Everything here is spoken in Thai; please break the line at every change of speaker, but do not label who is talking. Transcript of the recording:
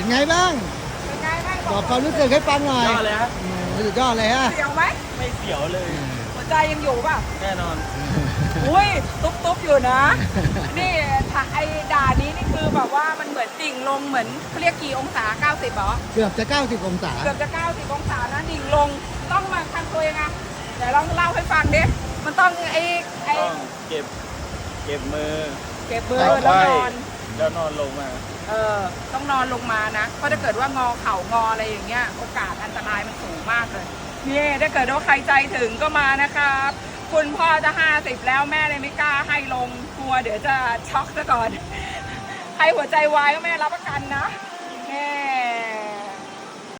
ไงบ้าง
เป็นไงบ้าง
บอกความรู้สึกให้ฟังหน่อย
ยอดเลยฮะ
สุดยอดเลยฮะ
เสียวไหม
ไม่เสียวเลย
หัวใจยังอยู่ป่ะ
แน่นอน
อุ้ยตุ๊บอยู่นะ นี่ถ้าไอ้ด่านนี้นี่คือแบบว่ามันเหมือนดิ่งลงเหมือนเขาเรียกกี่องศา90เหรอ
เกือบจะ90องศา
เกือบจะ90องศานะดิ่งลงต้องมาทำตัวยังไงเดี๋ยวลองเล่าให้ฟังดิมันต้องไอ้
ต้องเก็บมือ
เก็บมือแล้วนอน
แล้วนอนลงมา
ต้องนอนลงมานะเพราะถ้าเกิดว่างอเข่างออะไรอย่างเงี้ยโอกาสอันตรายมันสูงมากเลยนี่ถ้าเกิดว่าใครใจถึงก็มานะครับคุณพ่อจะ50แล้วแม่เลยไม่กล้าให้ลงกลัวเดี๋ยวจะช็อกซะก่อนให้หัวใจวายก็แม่รับประกันนะแม่